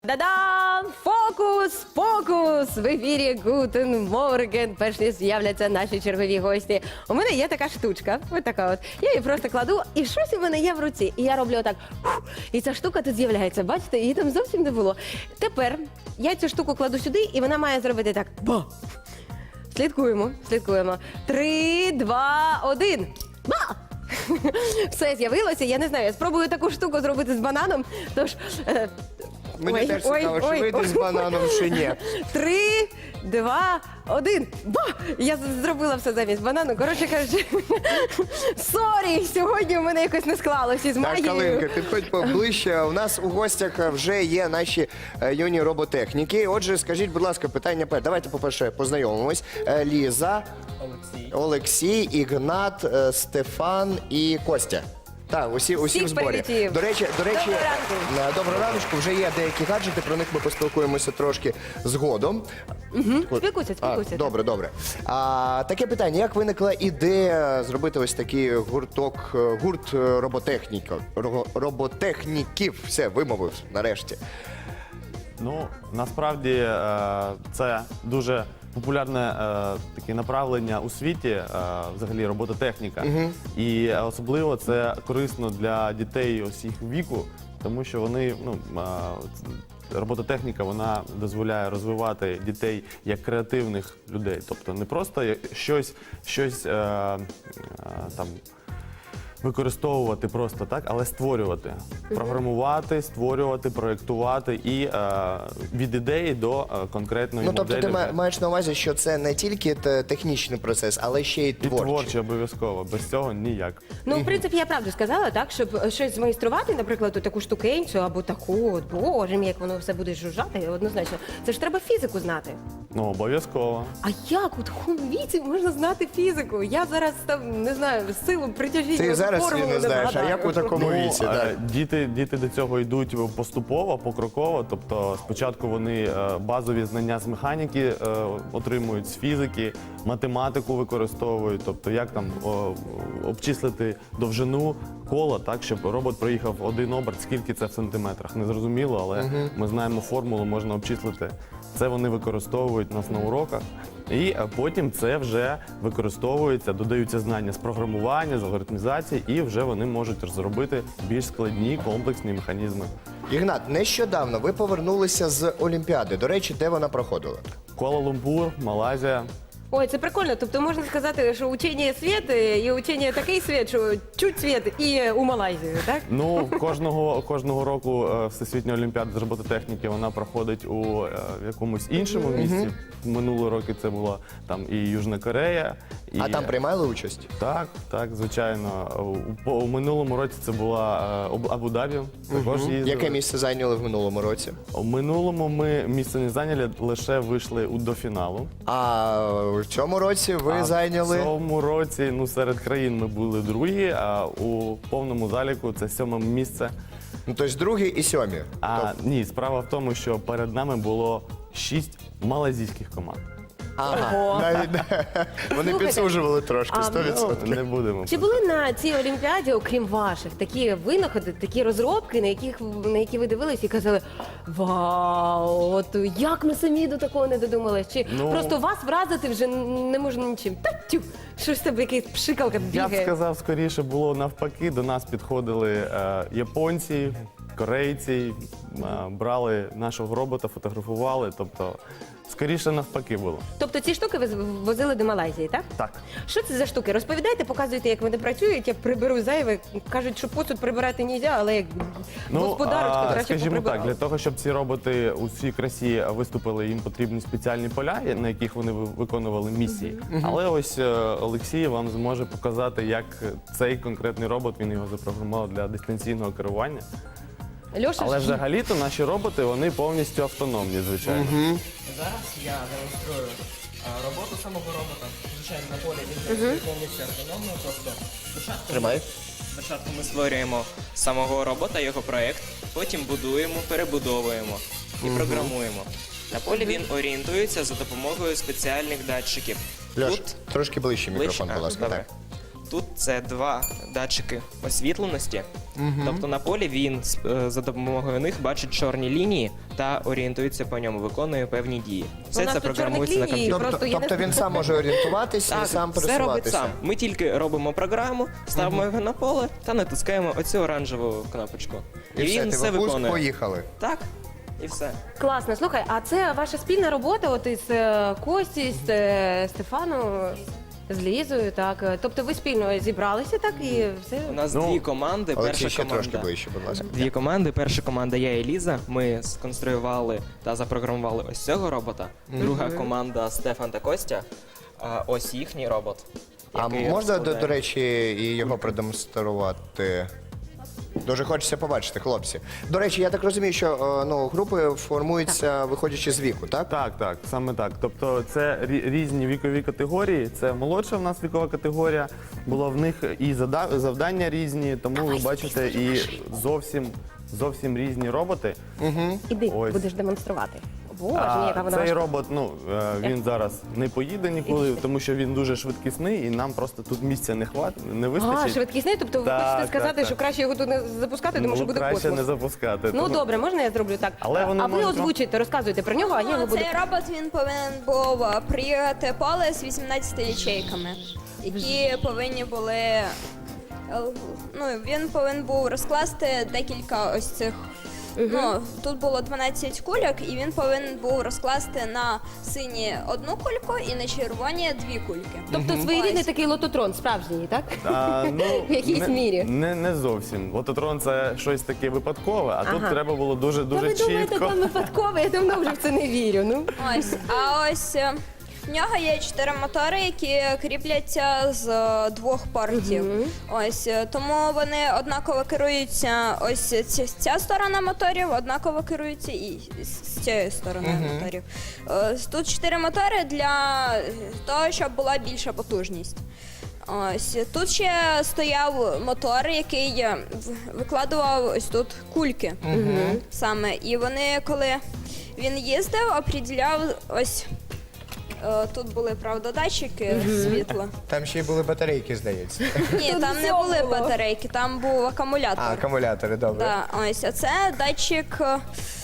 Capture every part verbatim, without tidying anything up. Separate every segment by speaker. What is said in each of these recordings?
Speaker 1: Да-дам! Фокус! Фокус! В ефірі Гутен Морген. Перш ніж з'являться наші чергові гості. У мене є така штучка, ось така от. Я її просто кладу, і щось у мене є в руці. І я роблю отак. Фух, і ця штука тут з'являється. Бачите, її там зовсім не було. Тепер я цю штуку кладу сюди, і вона має зробити так. Ба! Слідкуємо, слідкуємо. Три, два, один. Ба! Все з'явилося, я не знаю, я спробую таку штуку зробити з бананом, тож... Е,
Speaker 2: Мені
Speaker 1: ой,
Speaker 2: теж
Speaker 1: ой,
Speaker 2: цікаво,
Speaker 1: ой,
Speaker 2: чи вийде
Speaker 1: ой.
Speaker 2: з бананом, чи ні.
Speaker 1: Три, два, один. Ба! Я з- зробила все замість банану. Коротше кажучи, сорі, сьогодні у мене якось не склалося із
Speaker 2: Так,
Speaker 1: магією.
Speaker 2: Калинка, підходь поближче. У нас у гостях вже є наші е, юні роботехніки. Отже, скажіть, будь ласка, питання перше. Давайте, по-перше, познайомимось. Е, Ліза,
Speaker 3: Олексій.
Speaker 2: Олексій, Ігнат, е, Стефан і Костя. Так, усі, усі
Speaker 1: Всіх
Speaker 2: в зборі.
Speaker 1: привітів.
Speaker 2: До речі, до речі,
Speaker 1: Доброго ранку.
Speaker 2: е, доброго раночку. Вже є деякі гаджети, про них ми поспілкуємося трошки згодом. От.
Speaker 1: Спілкуйся,
Speaker 2: А,
Speaker 1: спілкуйся.
Speaker 2: добре, добре. А, таке питання: як виникла ідея зробити ось такий гурток, е, гурт е, роботехніка, ро- роботехніків? Все, вимовив нарешті.
Speaker 3: Ну, насправді е, це дуже популярне е, таке направлення у світі, е, взагалі робототехніка. І особливо це корисно для дітей усіх віку, тому що вони, ну, е, робототехніка, вона дозволяє розвивати дітей як креативних людей. Тобто не просто як щось, щось е, е, там. використовувати просто так, але створювати, програмувати, створювати, проєктувати і е, від ідеї до е, конкретної
Speaker 2: Ну, тобто
Speaker 3: моделі.
Speaker 2: ти ма-
Speaker 3: вже.
Speaker 2: маєш на увазі, що це не тільки те- технічний процес, але ще й
Speaker 3: І
Speaker 2: творчий.
Speaker 3: творче обов'язково, без цього ніяк.
Speaker 1: Ну, в принципі, я правду сказала, так, щоб щось змайструвати, наприклад, таку штукенцю або таку, от, боже мій, як воно все буде жужжати, однозначно. Це ж треба фізику знати.
Speaker 3: Ну, обов'язково.
Speaker 1: А як у такому віці можна знати фізику? Я зараз там, не знаю, силу притяжіння.
Speaker 2: Ти зараз
Speaker 1: формулу
Speaker 2: її не знаєш, а
Speaker 1: вгадаю.
Speaker 2: як у такому
Speaker 3: Ну,
Speaker 2: віці?
Speaker 3: е,
Speaker 2: Так.
Speaker 3: діти, діти до цього йдуть поступово, покроково. Тобто спочатку вони е, базові знання з механіки е, отримують, з фізики, математику використовують. Тобто як там о, обчислити довжину кола, так, щоб робот проїхав один оберт, скільки це в сантиметрах. Не зрозуміло, але ми знаємо формулу, можна обчислити. Це вони використовують у нас на уроках. І е, потім це вже використовується, додаються знання з програмування, з алгоритмізації, і вже вони можуть розробити більш складні комплексні механізми.
Speaker 2: Ігнат, нещодавно ви повернулися з Олімпіади. До речі, де вона проходила?
Speaker 3: Куала-Лумпур, Малайзія.
Speaker 1: Ой, це прикольно. Тобто можна сказати, що учення світ і учення такий світ, що чуть світ і у Малайзію, так?
Speaker 3: Ну, кожного, кожного року е, Всесвітня Олімпіада з робототехніки вона проходить у е, якомусь іншому місці. Минулого року це була там і Южна Корея. І...
Speaker 2: А там приймали участь?
Speaker 3: Так, так, звичайно. У, по- у минулому році це була е, Абу- Абу-Дабі. Також їздили.
Speaker 2: Яке місце зайняли в минулому році?
Speaker 3: У минулому ми місце не зайняли, лише вийшли у до фіналу.
Speaker 2: А в цьому році ви
Speaker 3: А
Speaker 2: зайняли.
Speaker 3: В цьому році ну, серед країн ми були другі, а у повному заліку це сьоме місце.
Speaker 2: Ну, тобто другі і сьомі.
Speaker 3: А ні, справа в тому, що перед нами було шість малазійських команд.
Speaker 2: Ага,
Speaker 1: Ого.
Speaker 2: навіть вони
Speaker 1: Слухайте,
Speaker 2: підсужували трошки,
Speaker 1: а,
Speaker 2: сто
Speaker 3: Ну,
Speaker 2: відсотків.
Speaker 3: не будемо.
Speaker 1: Чи були на цій Олімпіаді, окрім ваших, такі винаходи, такі розробки, на яких на які ви дивились і казали: вау, от як ми самі до такого не додумались? Чи
Speaker 3: Ну.
Speaker 1: просто вас вразити вже не можна нічим? Та тю, щось тебе якась пшикалка
Speaker 3: Я б
Speaker 1: бігає.
Speaker 3: сказав, скоріше було навпаки. До нас підходили е, японці, корейці, е, брали нашого робота, фотографували. Тобто, скоріше навпаки було.
Speaker 1: Тобто ці штуки ви возили до Малайзії, так?
Speaker 3: Так.
Speaker 1: Що це за штуки? Розповідайте, показуйте, як вони працюють. Я приберу зайве. Кажуть, що посуд прибирати не можна, але як господарочка,
Speaker 3: а,
Speaker 1: до речі,
Speaker 3: скажімо так,
Speaker 1: поприбирала.
Speaker 3: для того, щоб ці роботи у всій красі виступили, їм потрібні спеціальні поля, на яких вони ви- виконували місії. Але ось е, Олексій вам зможе показати, як цей конкретний робот, він його запрограмував для дистанційного керування.
Speaker 1: Льоша,
Speaker 3: Але
Speaker 1: ж-
Speaker 3: взагалі-то наші роботи, вони повністю автономні, звичайно.
Speaker 4: Зараз я демонструю а, роботу самого робота. Звичайно, на полі він працює повністю автономно. Тобто спочатку,
Speaker 2: Тримай.
Speaker 4: спочатку ми створюємо самого робота, його проект, потім будуємо, перебудовуємо і програмуємо. На полі він орієнтується за допомогою спеціальних датчиків.
Speaker 2: Льош,
Speaker 4: Тут
Speaker 2: трошки ближче мікрофон,
Speaker 4: ближче?
Speaker 2: будь
Speaker 4: А,
Speaker 2: ласка.
Speaker 4: добре.
Speaker 2: Так.
Speaker 4: Тут це два датчики освітленості. Тобто на полі він з- е, за допомогою них бачить чорні лінії та орієнтується по ньому, виконує певні дії. Все
Speaker 1: У нас
Speaker 4: це
Speaker 1: тут
Speaker 4: програмується
Speaker 1: чорних
Speaker 4: на
Speaker 1: ліній.
Speaker 4: комп'ютері.
Speaker 2: Тобто,
Speaker 1: Просто є
Speaker 2: тобто
Speaker 1: не-
Speaker 2: він сам може орієнтуватись і
Speaker 4: Так,
Speaker 2: сам
Speaker 4: все робить
Speaker 2: пересуватися.
Speaker 4: сам. Ми тільки робимо програму, ставимо його на поле та натискаємо оцю оранжеву кнопочку. І,
Speaker 2: І все,
Speaker 4: він
Speaker 2: ти
Speaker 4: все
Speaker 2: в пуск,
Speaker 4: виконує.
Speaker 2: поїхали.
Speaker 4: Так, і все.
Speaker 1: Класно, слухай, а це ваша спільна робота от із е, Кості, з е, Стефаном, з Лізою, так? Е, Тобто ви спільно зібралися, так, і все?
Speaker 4: У нас
Speaker 3: Ну,
Speaker 4: дві команди.
Speaker 2: Олексій,
Speaker 4: Перша
Speaker 2: ще трошки
Speaker 4: команда.
Speaker 2: ближче, будь ласка.
Speaker 4: Дві команди. Перша команда я і Ліза. Ми сконструювали та запрограмували ось цього робота. Друга команда Стефан та Костя. А ось їхній робот.
Speaker 2: А
Speaker 4: який
Speaker 2: можна, до,
Speaker 4: розкладає.
Speaker 2: до речі, і його продемонструвати? Дуже хочеться побачити, хлопці. До речі, я так розумію, що е, ну, групи формуються виходячи з віку, так?
Speaker 3: Так, так, саме так. Тобто це рі- різні вікові категорії. Це молодша в нас вікова категорія. Було в них і зада- завдання різні, тому ви бачите і зовсім зовсім різні роботи.
Speaker 1: Іди,
Speaker 3: Ось.
Speaker 1: будеш демонструвати. Боже,
Speaker 3: А,
Speaker 1: мій, яка вона
Speaker 3: цей
Speaker 1: важка.
Speaker 3: робот, ну е, він зараз не поїде ніколи, тому що він дуже швидкісний, і нам просто тут місця не хват, не
Speaker 1: А,
Speaker 3: вистачить.
Speaker 1: швидкісний, тобто ви
Speaker 3: Так,
Speaker 1: хочете
Speaker 3: так,
Speaker 1: сказати,
Speaker 3: так.
Speaker 1: що краще його тут не запускати, тому
Speaker 3: Ну,
Speaker 1: що буде
Speaker 3: краще
Speaker 1: космос.
Speaker 3: не запускати.
Speaker 1: Ну
Speaker 3: тому-
Speaker 1: добре, можна я зроблю так?
Speaker 3: Але вони
Speaker 1: а ви
Speaker 3: можуть-
Speaker 1: озвучуйте, розказуйте про нього, а я його
Speaker 5: Ну,
Speaker 1: буду.
Speaker 5: цей робот він повинен був е, приїхати поле з вісімнадцятьма ячейками, які повинні були. е, Ну, він повинен був розкласти декілька ось цих. Ну, тут було дванадцять кульок, і він повинен був розкласти на сині одну кульку і на червоні дві кульки.
Speaker 1: Тобто своєрідний
Speaker 5: Ось.
Speaker 1: такий лототрон, справжній, так?
Speaker 3: А, ну,
Speaker 1: В якійсь
Speaker 3: не,
Speaker 1: мірі.
Speaker 3: Не, не зовсім. Лототрон це щось таке випадкове, а тут
Speaker 1: Ага.
Speaker 3: треба було дуже
Speaker 1: Та
Speaker 3: дуже
Speaker 1: ви думаєте,
Speaker 3: чітко.
Speaker 1: там випадково, я давно вже в це не вірю. Ну.
Speaker 5: Ось, а ось е, в нього є чотири мотори, які кріпляться з е, двох портів. Ось е, тому вони однаково керуються. Ось ці- ця сторона моторів однаково керується і з з цієї сторони моторів. Е, Тут чотири мотори для того, щоб була більша потужність. Ось тут ще стояв мотор, який е, в- викладував ось тут кульки. Саме. І вони, коли він їздив, оприділяв ось. е, Тут були, правда, датчики світла.
Speaker 2: Там ще й були батарейки, здається.
Speaker 5: Ні, там не
Speaker 1: все
Speaker 5: були
Speaker 1: було.
Speaker 5: батарейки, там був акумулятор.
Speaker 2: А, акумулятори, добре.
Speaker 5: Да, ось, а це датчик. е,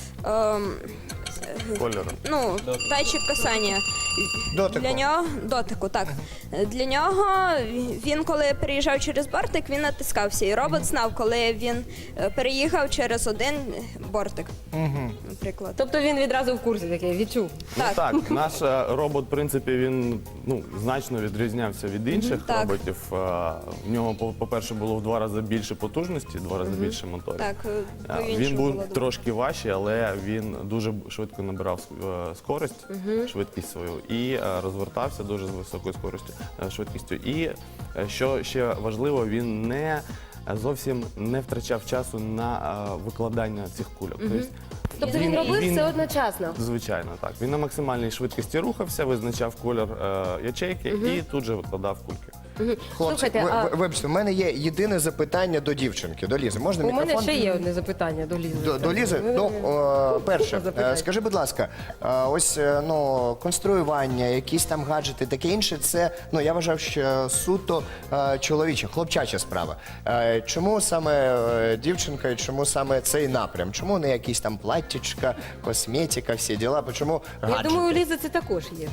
Speaker 5: ем,
Speaker 3: Кольору.
Speaker 5: ну, датчик касання.
Speaker 2: Дотику.
Speaker 5: Для нього дотику, так. Для нього він, коли переїжджав через бортик, він натискався. І робот знав, коли він е, переїхав через один бортик. Наприклад.
Speaker 1: Тобто він відразу в курсі такий, відчув.
Speaker 3: Ну
Speaker 5: Так.
Speaker 3: так, наш е, робот, в принципі, він ну, значно відрізнявся від інших
Speaker 5: Так.
Speaker 3: роботів. Е, В нього, по- по-перше, було в два рази більше потужності, в два рази більше моторів.
Speaker 5: Так,
Speaker 3: Е,
Speaker 5: по
Speaker 3: Він
Speaker 5: іншому
Speaker 3: був
Speaker 5: було дуже.
Speaker 3: трошки важчий, але він дуже швидко набирав е, скорость, швидкість свою і е, розвертався дуже з високою скоростю, е, швидкістю. І е, що ще важливо, він не е, зовсім не втрачав часу на е, викладання цих кульок.
Speaker 1: Тобто він робив
Speaker 3: він-
Speaker 1: все одночасно.
Speaker 3: Звичайно, так. Він на максимальній швидкості рухався, визначав колір е, ячейки і тут же викладав кульки.
Speaker 2: Хлопці,
Speaker 1: Слухайте,
Speaker 2: ви,
Speaker 1: а-
Speaker 2: ви- вибачте, в мене є єдине запитання до дівчинки, до Лізи. Можна
Speaker 1: У
Speaker 2: мікрофон?
Speaker 1: мене ще є одне запитання до Лізи.
Speaker 2: До, до Лізи? Ну, о, перше,
Speaker 1: Запитай.
Speaker 2: е, скажи, будь ласка, е, ось е, ну, конструювання, якісь там гаджети, таке інше, це, ну, я вважав, що суто е, чоловіча, хлопчача справа. Е, Чому саме е, дівчинка і чому саме цей напрям? Чому не якісь там платтячка, косметика, всі діла? Чому
Speaker 1: Я
Speaker 2: гаджети?
Speaker 1: думаю, у Лізи це також є.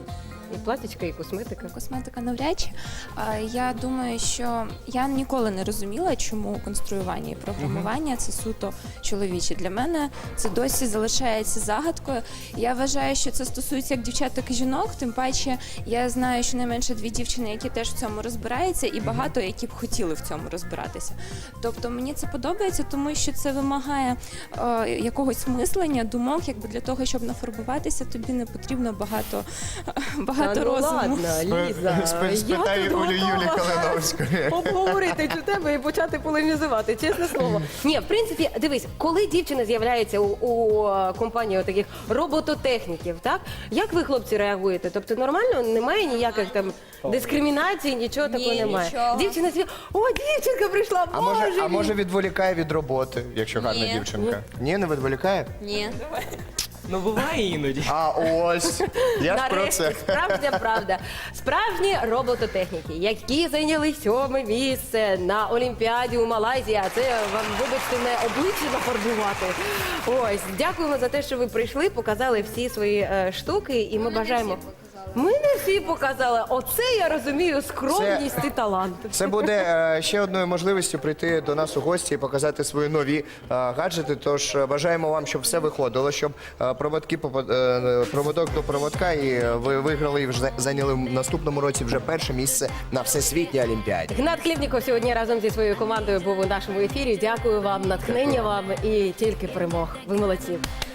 Speaker 1: І платічка, і косметика.
Speaker 6: Косметика навряд чи. А, Я думаю, що я ніколи не розуміла, чому конструювання і програмування це суто чоловіче. Для мене це досі залишається загадкою. Я вважаю, що це стосується як дівчат, так і жінок. Тим паче, я знаю, що найменше дві дівчини, які теж в цьому розбираються, і багато які б хотіли в цьому розбиратися. Тобто мені це подобається, тому що це вимагає е, якогось мислення, думок, якби для того, щоб нафарбуватися, тобі не потрібно багато, багато
Speaker 1: Та ну
Speaker 6: розуму.
Speaker 1: ладно, Ліза,
Speaker 2: Спи- спитай
Speaker 1: я тут
Speaker 2: Олю
Speaker 1: готова
Speaker 2: Юлі Калиновської.
Speaker 1: обговорити цю тему і почати полемізувати, чесне слово. Ні, в принципі, дивись, коли дівчина з'являється у, у е, компанії таких робототехніків, так? Як ви, хлопці, реагуєте? Тобто нормально, немає ніяких там дискримінацій, нічого такого
Speaker 5: Ні,
Speaker 1: немає.
Speaker 5: нічого.
Speaker 1: Дівчина з'являється, о, дівчинка прийшла,
Speaker 2: А
Speaker 1: боже
Speaker 2: може, а
Speaker 1: мій!
Speaker 2: може відволікає від роботи, якщо гарна
Speaker 5: Ні.
Speaker 2: дівчинка? Ні, не відволікає?
Speaker 5: Ні.
Speaker 4: Ну буває іноді.
Speaker 2: А ось я ж про
Speaker 1: Нарешті,
Speaker 2: це.
Speaker 1: справжня правда. Справжні робототехніки, які зайняли сьоме місце на Олімпіаді у Малайзії. А це вам, вибачте, не обличчя нафарбувати. Ось, дякуємо за те, що ви прийшли, показали всі свої е, штуки, і ми бажаємо. Ми не всі показали. Оце я розумію скромність і талант.
Speaker 2: Це буде е, ще одною можливістю прийти до нас у гості і показати свої нові е, гаджети. Тож е, бажаємо вам, щоб все виходило, щоб е, проводки попа- е, проводок до проводка, і ви виграли і вже зайняли в наступному році вже перше місце на всесвітній олімпіаді.
Speaker 1: Гнат Хлєбніков сьогодні разом зі своєю командою був у нашому ефірі. Дякую вам, натхнення вам і тільки перемог. Ви молодці.